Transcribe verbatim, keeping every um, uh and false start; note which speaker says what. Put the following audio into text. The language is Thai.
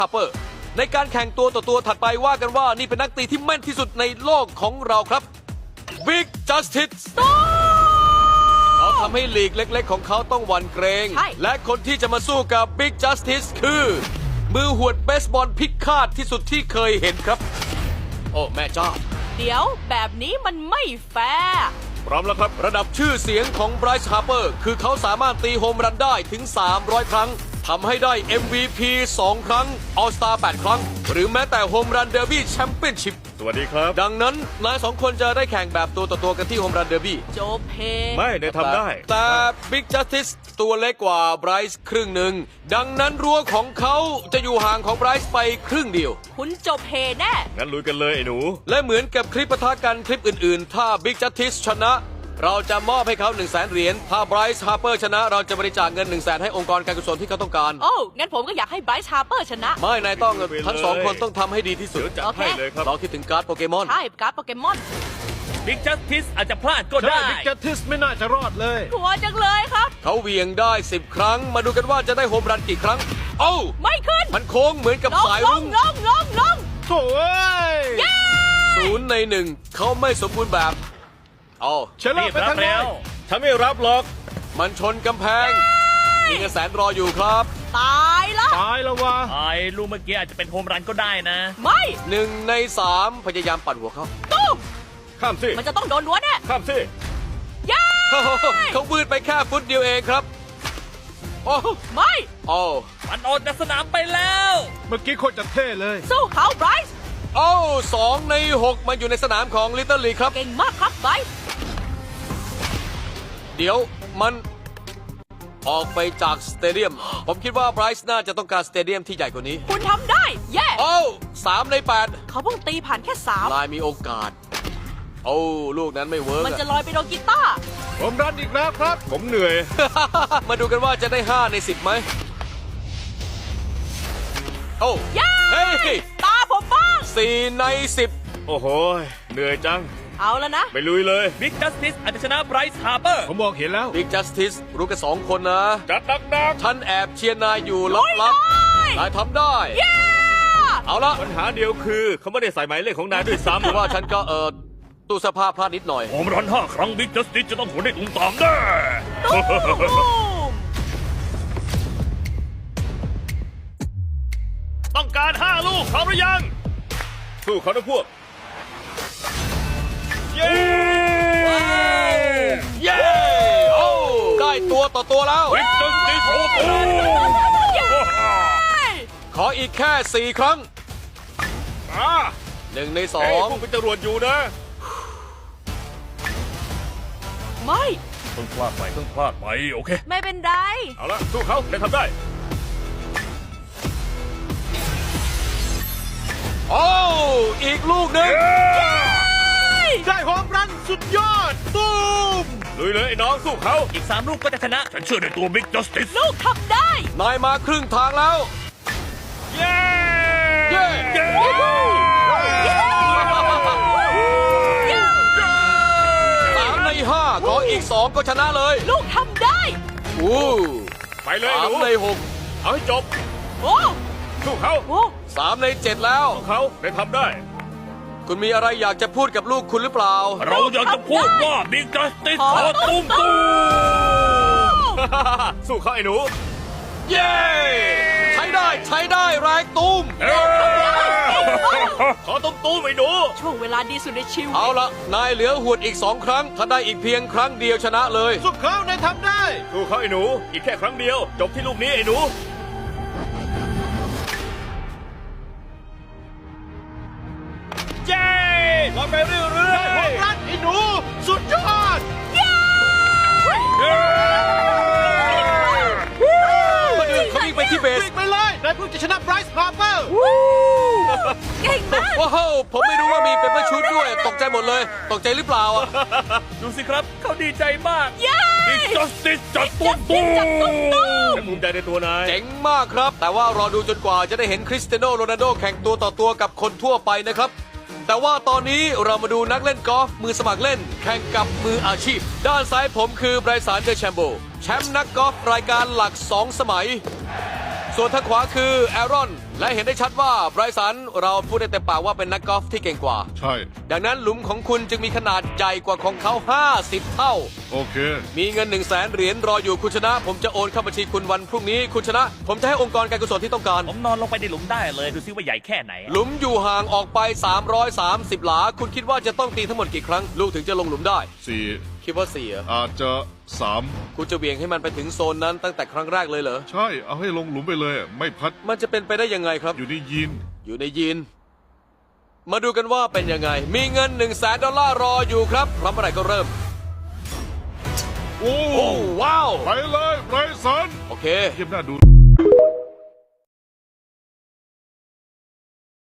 Speaker 1: ฮาร์เปอร์ในการแข่งตัวต่อตัวถัดไปว่ากันว่านี่เป็นนักตีที่แม่นที่สุดในโลกของเราครับบิ๊กจัสติสเขาทำให้ลีกเล็กๆของเขาต้องหวั่นเกรงและคนที่จะมาสู้กับบิ๊กจัสติสคือมือหวดเบสบอลพิฆาตที่สุดที่เคยเห็นครับโอ้แม่เจ้า
Speaker 2: เดี๋ยวแบบนี้มันไม่แฟร์
Speaker 1: พร้อมแล้วครับระดับชื่อเสียงของไบรซ์ฮาร์เปอร์คือเขาสามารถตีโฮมรันได้ถึงสามร้อยครั้งทำให้ได้ เอ็ม วี พี สอง ครั้ง All Star แปด ครั้งหรือแม้แต่โฮมรันเดอร์บี้แชมเปี้ยนชิพ
Speaker 3: สวัสดีครับ
Speaker 1: ดังนั้นนายสองคนจะได้แข่งแบบตัวต่อตัวกันที่โฮมรันเดอร์บี้
Speaker 2: โจเพ
Speaker 3: ไม่ได้ทำได้
Speaker 1: แต่บิ๊กจัสติสตัวเล็กกว่าไบรซ์ครึ่งหนึ่งดังนั้นรั้วของเขาจะอยู่ห่างของไบรซ์ไปครึ่งเดียว
Speaker 2: คุณโจเพแน่
Speaker 3: งั้นลุยกันเลยไอ้หนู
Speaker 1: และเหมือนกับคลิปปะทะกันคลิปอื่นๆถ้าบิ๊กจัสติสชนะเราจะมอบให้เขาหนึ่งแสนเหรียญถ้าไบรซ์ฮาร์เปอร์ชนะเราจะบริจาคเงินหนึ่งแสนให้องค์กรการกุศลที่เขาต้องการ
Speaker 2: โอ้งั้นผมก็อยากให้ไบรซ์ฮาร์เปอร์ชนะ
Speaker 1: ไม่นายต้องทั้งสองคนต้องทำให้ดีที่สุด
Speaker 3: จัดให้เลยครับ
Speaker 1: เราคิดถึงการ์ดโปเกมอน
Speaker 2: ใช่การ์ดโปเกมอน
Speaker 4: บิ๊กจัสติสอาจจะพลาดก็ได้
Speaker 3: บิ๊กจัสติสไม่น่าจะรอดเลย
Speaker 2: กลัวจังเลยครับ
Speaker 1: เขาเหวี่ยงได้สิบครั้งมาดูกันว่าจะได้โฮมรันกี่ครั้งโอ้
Speaker 2: ไม่ขึ้น
Speaker 1: มันโค้งเหมือนกับสายรุ้ง
Speaker 2: ลงลงลง
Speaker 3: โถ่
Speaker 1: ศูนย์ในหนึ่งเขาไม่สมบูรณ์แบบโอ้
Speaker 3: เชลล์ไปทางแล้วฉันไม่รับหรอก
Speaker 1: มันชนกำแพงมีเงินแสนรออยู่ครับ
Speaker 2: ตายละ
Speaker 3: ตายแล้ววะ
Speaker 4: ไอ้ลูกเมื่อกี้อาจจะเป็นโฮมรันก็ได้นะ
Speaker 2: ไม่
Speaker 1: หนึ่งในสามพยายามปั่นหัวเขา
Speaker 2: ตุ้ม
Speaker 3: ข้ามสิ
Speaker 2: มันจะต้องโดนล้วนแน่
Speaker 3: ข้ามสิ
Speaker 2: ย้า
Speaker 1: เขาวืดไปแค่ฟุตเดียวเองครับโอ้
Speaker 2: ไม่
Speaker 1: โอ้
Speaker 4: มันออกจากสนามไปแล้ว
Speaker 3: เมื่อกี้โคตรจะเท่เลย
Speaker 2: สู้เขาไบรซ์
Speaker 1: โอ้สองในหกมาอยู่ในสนามของลิตเติ้ลลีครับ
Speaker 2: เก่งมากครับไบรซ์
Speaker 1: เดี๋ยวมันออกไปจากสเตเดียมผมคิดว่าไบรซ์น่าจะต้องการสเตเดียมที่ใหญ่กว่านี้
Speaker 2: คุณทำได้เย้
Speaker 1: โอ้สามในแปด
Speaker 2: เขาเพิ่งตีผ่านแค่สาม
Speaker 1: ลายมีโอกาสโอ้ลูกนั้นไม่เวิร์ก
Speaker 2: มันจะลอยไปโดนกีตาร์
Speaker 3: ผมรันอีกแล้วครับผมเหนื่อย
Speaker 1: มาดูกันว่าจะได้ห้าในสิบไหมโอ้
Speaker 2: เย้ตาผมบ้าง
Speaker 1: สี่ในสิบ
Speaker 3: โอ้โหเหนื่อยจัง
Speaker 2: เอาแล้วนะ
Speaker 3: ไปลุยเลย
Speaker 4: บิ๊กจัสติสอาจจะชนะไบรซ์ฮาร์เปอร์
Speaker 3: ผมบอกเห็นแล้ว
Speaker 1: บิ๊กจัสติสรู้กันสองคนนะ
Speaker 3: จัดดัก
Speaker 1: ๆฉันแอบเชียร์นายอยู่ลับๆนายทำได้เอาละ
Speaker 3: ปัญหาเดียวคือเขาไม่ได้ใส่หมายเลขของนายด้วยซ้ำ
Speaker 1: แต่ว่าฉันก็เออตู้เสื้อผ้าพลาดนิดหน่อย
Speaker 4: โฮมรันห้าครั้งบิ๊กจัสติสจะต้องหัวได้ตุ้มตามแน่ต้องการห้าลูกพร้อมหรือยัง
Speaker 3: สู้เขาทั้งพวก
Speaker 1: เย้เย้โอ้ได้ตัวต่อตัวแล้ว
Speaker 4: บิ๊กจัสติสโอ้โห
Speaker 1: ขออีกแค่สี่ครั้ง
Speaker 3: อ่า
Speaker 1: หนึ่งในสอง
Speaker 3: พวกเป็นจรวดอยู่นะ
Speaker 2: ไม่
Speaker 4: เพิ่งพลาดไปเพิ่งพลาดไปโอเค
Speaker 2: ไม่เป็นไร
Speaker 3: เอาละสู้เขาได้ทำได้
Speaker 1: โอ้อีกลูกหนึ่ง
Speaker 3: ได้โฮมรันสุดยอดตุ้มลุยเลยไอ้น้องสู้เขา
Speaker 4: อีกสามลูกก็จะชนะฉันเชื่อในตัวบิ๊กจัสติส
Speaker 2: ลูกทำได้
Speaker 1: นายมาครึ่งทางแล้ว
Speaker 3: เย้
Speaker 1: เย้สามในห้าขออีกสองก็ชนะเลย
Speaker 2: ลูกทำได้
Speaker 1: อู้
Speaker 3: ไปเลย
Speaker 1: สามในหก
Speaker 3: เอาให้จบ
Speaker 2: โอ้
Speaker 3: สู้เขา
Speaker 1: สามในเจ็ดแล้ว
Speaker 3: สู้เขาได้ทำได้
Speaker 1: คุณมีอะไรอยากจะพูดกับลูกคุณหรือเปล่า
Speaker 4: เราอยากจะพูดว่าบิ๊กจัสติสขอตุ้มตุ้ม
Speaker 3: สู้เขาไอ้หนู
Speaker 1: เย้ใช้ได้ใช้ได้แรงตุ้ม
Speaker 3: ขอตุ้มตุ้มไอ้หนู
Speaker 2: ช่วงเวลาดีสุดในชีวิต
Speaker 1: เอาละนายเหลือหวดอีกสองครั้งถ้าได้อีกเพียงครั้งเดียวชนะเลย
Speaker 3: สู้เขานายทำได้สู้เขาไอ้หนูอีกแค่ครั้งเดียวจบที่ลูกนี้ไอ้หนูเย้เราไปเรื่อยๆได้ของรันไอ้หนูสุดยอด
Speaker 2: เย้
Speaker 1: เขาวิ่งไปที่เบส
Speaker 3: วิ่งไปเลยนายเพิ่งจะชนะไบรซ์ฮาร์เปอร์
Speaker 2: เก่งมาก
Speaker 1: ว้าวผมไม่รู้ว่ามีเปเปอร์ชูดด้วยตกใจหมดเลยตกใจหรือเปล่าอ่ะ
Speaker 4: ดูสิครับเขาดีใจมาก
Speaker 2: เย้
Speaker 4: บิ๊กจัสติสจัดตุ้มตุ้ม
Speaker 3: ฉันภูมิใจในตัวนาย
Speaker 1: เจ๋งมากครับแต่ว่ารอดูจนกว่าจะได้เห็นคริสเตียโนโรนัลโดแข่งตัวต่อตัวกับคนทั่วไปนะครับแต่ว่าตอนนี้เรามาดูนักเล่นกอล์ฟมือสมัครเล่นแข่งกับมืออาชีพด้านซ้ายผมคือไบรสันเดแชมโบแชมป์นักกอล์ฟรายการหลักสองสมัยส่วนทางขวาคือแอรอนและเห็นได้ชัดว่าไบรสันเราพูดได้เต็มปากว่าเป็นนักกอล์ฟที่เก่งกว่า
Speaker 5: ใช่
Speaker 1: ดังนั้นหลุมของคุณจึงมีขนาดใหญ่กว่าของเขา ห้าสิบ เท่า
Speaker 5: โอเค
Speaker 1: มีเงิน1นึ่งแสนเหรียญรออยู่คุณชนะ ผมจะโอนเข้าบัญชีคุณวันพรุ่งนี้คุณชนะ ผมจะให้องค์กรการกุศลที่ต้องการ
Speaker 4: ผมนอนลงไปในหลุมได้เลยดูซิว่าใหญ่แค่ไหน
Speaker 1: หลุมอยู่ห่างออกไป สามร้อยสามสิบ หลา คุณคิดว่าจะต้องตีทั้งหมดกี่ครั้ง ลูกถึงจะลงหลุมได้
Speaker 5: สี่
Speaker 1: คิดว่าเสีย
Speaker 5: อาจจะสาม
Speaker 1: คุณจะเบี่ยงให้มันไปถึงโซนนั้นตั้งแต่ครั้งแรกเลยเหรอ
Speaker 5: ใช่ เอาให้ลงหลุมไปเลย ไม่พัด
Speaker 1: มันจะเป็นไปได้ยังไงครับ
Speaker 5: อยู่ในยีน
Speaker 1: อยู่ในยีน มาดูกันว่าเป็นยังไง มีเงิน1นึ่งแสนดอลลาร์รออยู่ครับพร้อมเมื่อไหร่ก็เริ่ม
Speaker 5: โอ้
Speaker 1: โอ้ว้าว
Speaker 5: ไปเลยไรสัน
Speaker 1: โอเค
Speaker 5: เยี่ยมหน้าดู